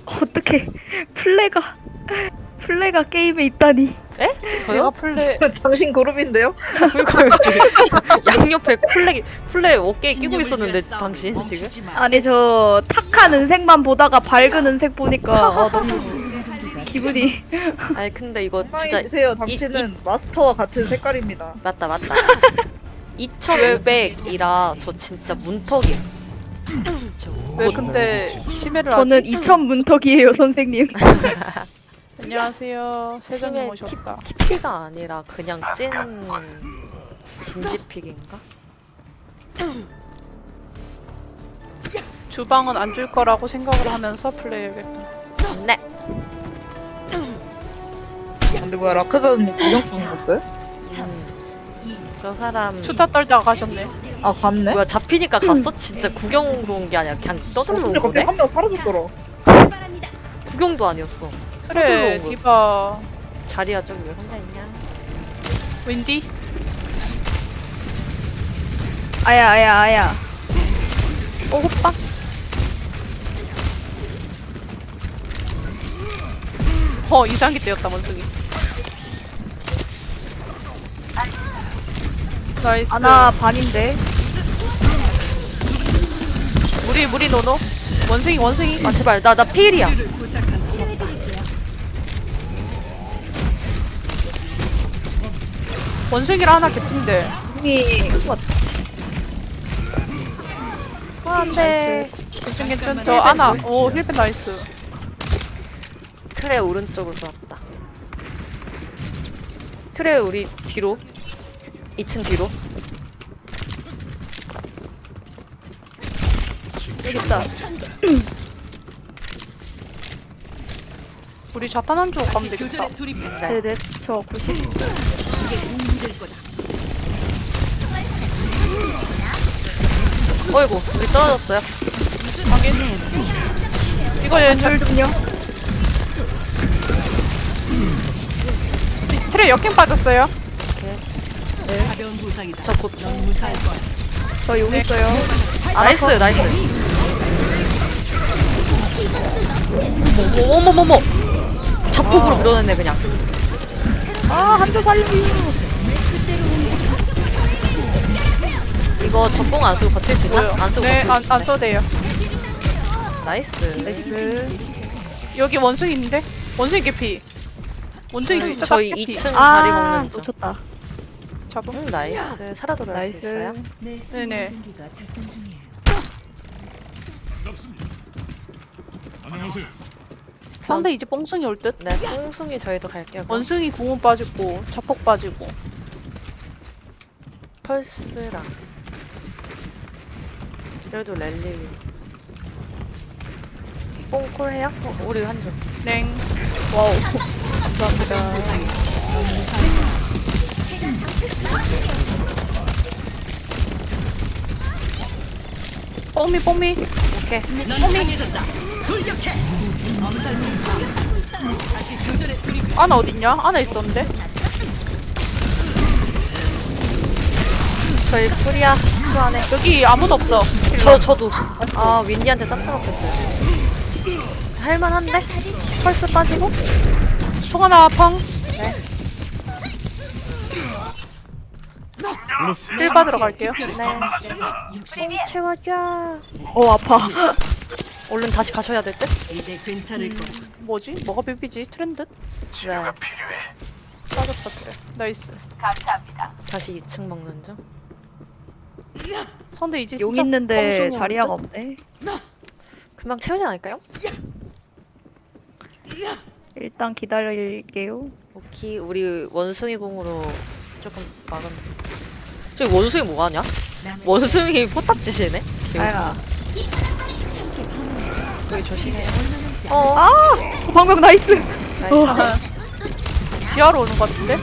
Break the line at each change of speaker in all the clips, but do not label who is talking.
어떻게 플레가 게임에 있다니.
에?
제가
저요?
플레
당신 그룹인데요?
그러니까요. 양옆에 플레 어깨에 끼고 있었는데 당신 지금?
아니 저 탁한 은색만 보다가 밝은 은색 보니까 너무 기분이.
아니 근데 이거 진짜
진짜세요. 당신은 마스터와 같은 색깔입니다.
맞다 2500이라 저 진짜 문턱이야.
왜 근데 심해를
저는
하지?
2000 문턱이에요 선생님.
안녕하세요. 세정님 오셨다.
TP가 아니라 그냥 찐 진지픽인가?
주방은 안 줄 거라고 생각을 하면서 플레이해야겠다.
네.
근데 뭐야 라크자는 구경 중이었어요?
저 사람
수다 떨다가 가셨네.
아 갔네?
뭐야 잡히니까 갔어? 진짜 구경으로 온 게 아니라 그냥 떠들러 온
근데 갑자기
거네?
한 명 사라졌더라.
구경도 아니었어.
그래
떠들러 온
디바
자리야 저기 왜 혼자 있냐?
윈디
아야.
어 호빵?
이상하게 때였다 원숭이. 나이스.
아나 반인데.
무리 노노. 원숭이.
아 제발 나 필이야.
원숭이랑 하나 개핀데.
이
안돼.
괜찮. 저 하나. 오 힐펜 나이스.
트레 오른쪽으로 돌았다. 트레 우리 뒤로 2층 뒤로.
여기 있다.
우리 자탄 한 쪽 가면 되겠다.
네네 저 90.
어이구 우리 떨어졌어요.
확인. 이거 얘
좀요.
트레 역행 빠졌어요.
저곧
저 여기 있어요.
나이스. 어머머머머. 자폭으로 밀어냈네 그냥.
한조 살려요.
이거 전공 안 쓰고 버틸 수 있나?
뭐요?
안 쓰고
네,
버틸 수
안 써도 돼요.
나이스.
여기 원숭이 있는데? 원숭이 개피. 원숭이 진짜
저희
딱 개피.
2층 자리 먹는 중.
놓쳤다.
잡음?
나이스. 살아 돌아올 수
나이스.
있어요?
네네.
안녕하세요.
상대 이제 뽕숭이 올 듯?
네, 뽕숭이 저희도 갈게요.
원숭이 공은 빠지고 자폭 빠지고.
펄스랑 그래도 랠리 뽕콜 해요? 우리 한줄
냉.
와우. 감사합니다.
뽕미.
오케이.
아나 어딨냐? 아나 있었는데?
저희 프리야 수안에
여기 아무도 없어.
저도 아 윈디한테 쌉싸먹겠어요. 할만한데? 펄스 빠지고?
총 하나 펑. 힐 받으러 갈게요.
네. 뽕 채워줘.
아파.
얼른 다시 가셔야 될 듯?
뭐지? 뭐가 비비지? 트렌드?
네.
빠졌다 트레. 나이스.
다시 2층 먹는 중.
상대 이제
용
진짜
있는데
뽕숭이
자리야가
오는데?
없네.
금방 채우지 않을까요?
일단 기다릴게요.
오케이 우리 원숭이 공으로 조금 막은. 저기 원숭이 뭐 하냐? 원숭이 포탑지시네?
아야.
여기 조심해.
방금 나이스.
나이스.
지하로 오는 것 같은데?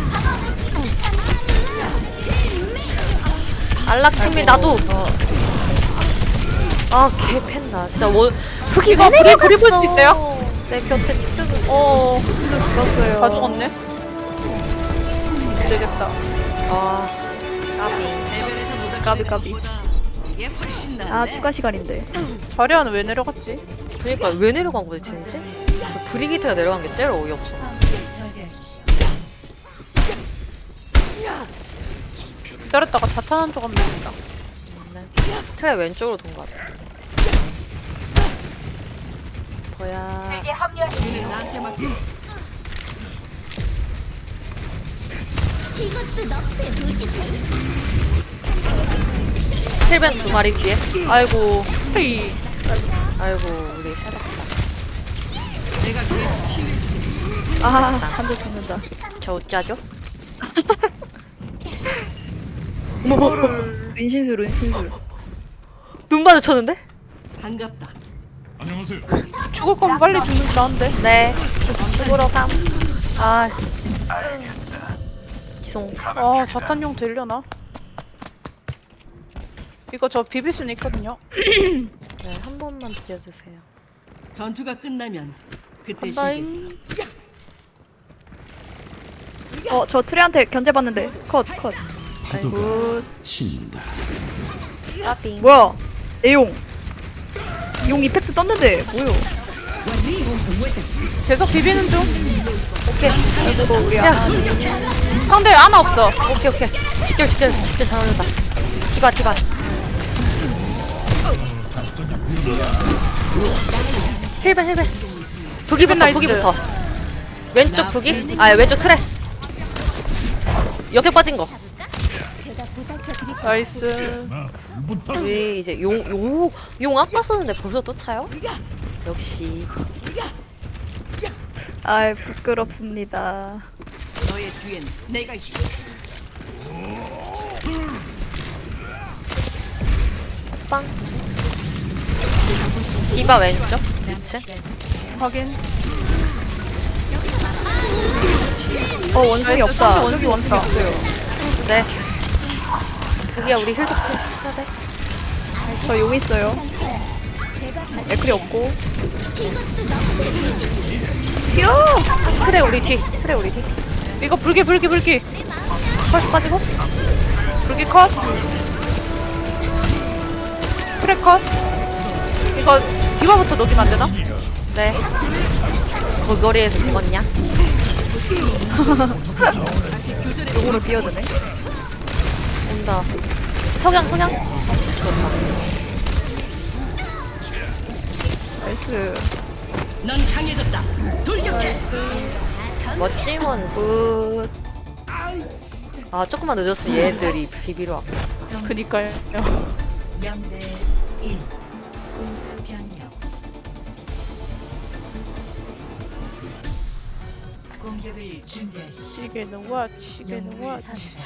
안락친미 나도. 아 개팬다. 진짜 원 흑이
이거 불이 볼 수 있어요?
내 곁에 집중을.
죽었어요.
다 죽었네. 안 되겠다.
아
까비. 아 추가 시간인데.
자리아는 왜 내려갔지?
그러니까 왜 내려간 거지 진짜? 그 브리기트가 내려간 게 제일 어이없어.
기다렸다가 자탄한 쪽 하면 되겠다.
트레 왼쪽으로 돈 거 같아. 뭐야? 힐벤 두 마리 뒤에. 아이고,
헤이.
아이고 우리 살았다.
아 한대 죽는다.
저 어쩌죠?
은신술 은신술.
눈 마주쳤는데?
반갑다.
안녕하세요.
죽을 거면 빨리 죽는 게 나은데.
네. 죽으러 감. 아. 지송.
아 자탄용 되려나? 이거 저 비빌 수는 있거든요.
네, 한 번만 비벼주세요.
전투가 끝나면 그때 쉬겠어.
간다잉.
저 트레한테 견제받는데 컷.
아이고,
친다.
까빙.
뭐야? 내용. 용 이펙트 떴는데 뭐요?
계속 비비는 중.
오케이.
아이고 우리
야,
상대 하나 없어.
오케이. 직결 잘 어울린다. 디바. 힐벤.
나이스.
북이부터. 왼쪽 북이? 아, 왼쪽 트레. 역에 빠진 거.
나이스.
우리 이제 용 아까 썼는데 벌써 또 차요? 역시.
아 부끄럽습니다.
너의 뒤엔 내가 있어.
빵. 디바 왼쪽 2층.
확인.
원숭이 없다.
상대
저기 원숭이 없어요.
네. 여기야 우리 힐도 해야 돼.
저 용 있어요. 에클이 없고. 튀어!
트레 우리 뒤.
이거 불기.
펄스 빠지고.
불기 컷. 트랙 컷. 이거 디바부터 녹이면 안 되나?
네. 그 거리에서 죽었냐?
용으로 뛰어드네.
온다. 석양.
나이스.
넌 강해졌다. 돌격해.
멋지먼.
굿.
아 조금만 늦었으면 얘들이 비비러 왔고.
그니까요.
0대 1 공수 변경 공격을 준비하십시오.
지게는 와치.
영웅을 선택하십시오.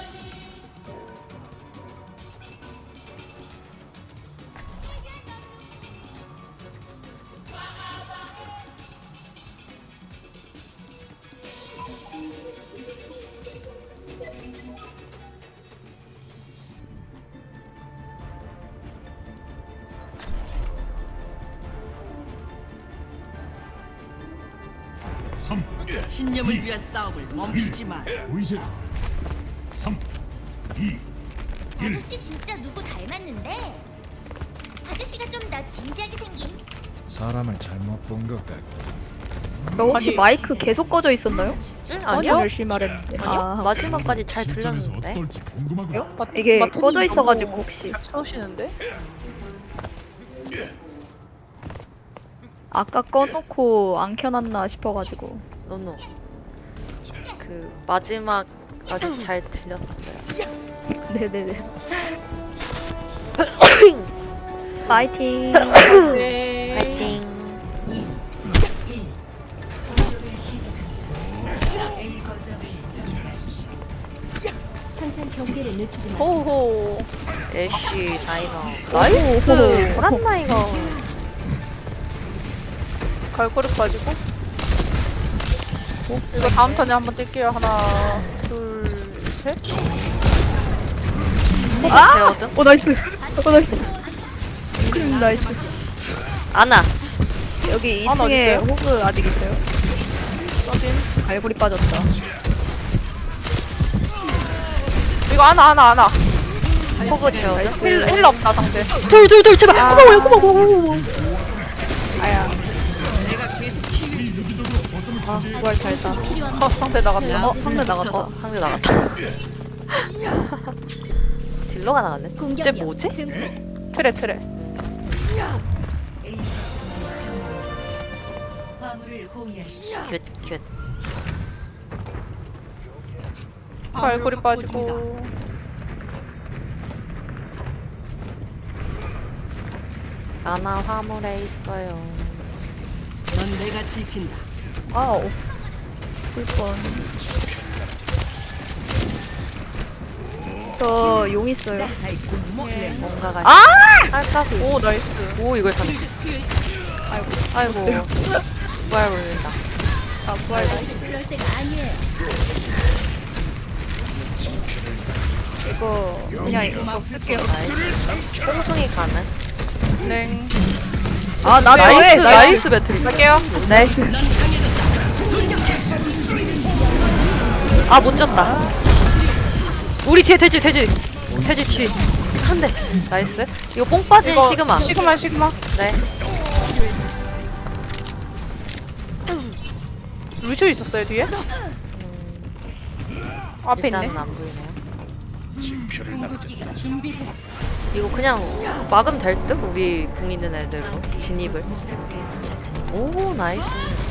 신념을 위한 싸움을 멈추지 마.
보이세요? 3, 2, 1.
아저씨 진짜 누구 닮았는데? 아저씨가 좀 더 진지하게 생긴.
사람을 잘못 본 것 같고.
저 혹시
아니,
마이크 계속 꺼져 있었나요?
응?
완전
아니요?
열심히 말했는데.
아니요? 마지막까지 잘
실전에서
들렸는데.
어떨지 궁금하고요.
이게
마트님
꺼져 있어가지고
너무
혹시
채우시는데?
아까 꺼놓고 안 켜놨나 싶어가지고.
노노. 그 마지막까지 잘 들렸었어요.
네네네. 파이팅.
네.
파이팅.
1 공격을 시작합니다. A 거점을 점령하십시오.
항상 경계를 늦추지 마.
호호.
애쉬 다이너.
오,
나이스. 보란나 이거.
갈고리 빠지고. 이거 다음 턴에 한번 뛸게요. 하나, 둘, 셋.
제어든.
나이스. 나이스. 나이스.
아나.
여기
하나
2층에
어딨어요?
호그 아직 있어요.
확인.
갈고리 빠졌다.
이거 하나.
포그 재워줘.
힐러 없다 상대.
둘 제발. 고마워.
부활 잘다.
상대 나갔다.
상대 나갔다.
상대 나갔다. 딜러가 나갔네. 쟤
공격력
뭐지?
증폭.
트레.
A 거점을 점령했습니다. 화물을 호위하십시오.
큐.
발골이 빠지고.
아나 화물에 있어요.
넌 내가 지킨다.
아우. 불뻔. 저 용 있어요.
뭔가가.
아!
깔까비.
오 나이스.
오 이걸 잡네. 아이고. 부활 올린다.
아, 부활 다
그럴 때가 아니에요.
이거 그냥 이거 쓸게요.
뽕숭이 가는.
네.
아, 나
나이스 배틀.
갈게요.
나이스.
아 못 졌다. 우리 뒤에 돼지 뒤. 한 대. 나이스. 이거 뽕 빠진
이거
시그마.
시그마.
네.
루시오 있었어요 뒤에? 앞에 있네.
일단은 안 보이네요.
징표를 남겼다.
준비됐어.
이거 그냥 막으면 될 듯? 우리 궁 있는 애들로 진입을.
목적지에 도착합니다.
오 나이스.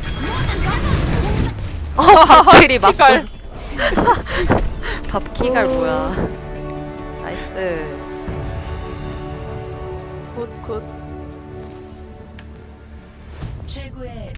밥킬이 막.
키갈.
밥키갈 뭐야? 나이스.
굿.
최고의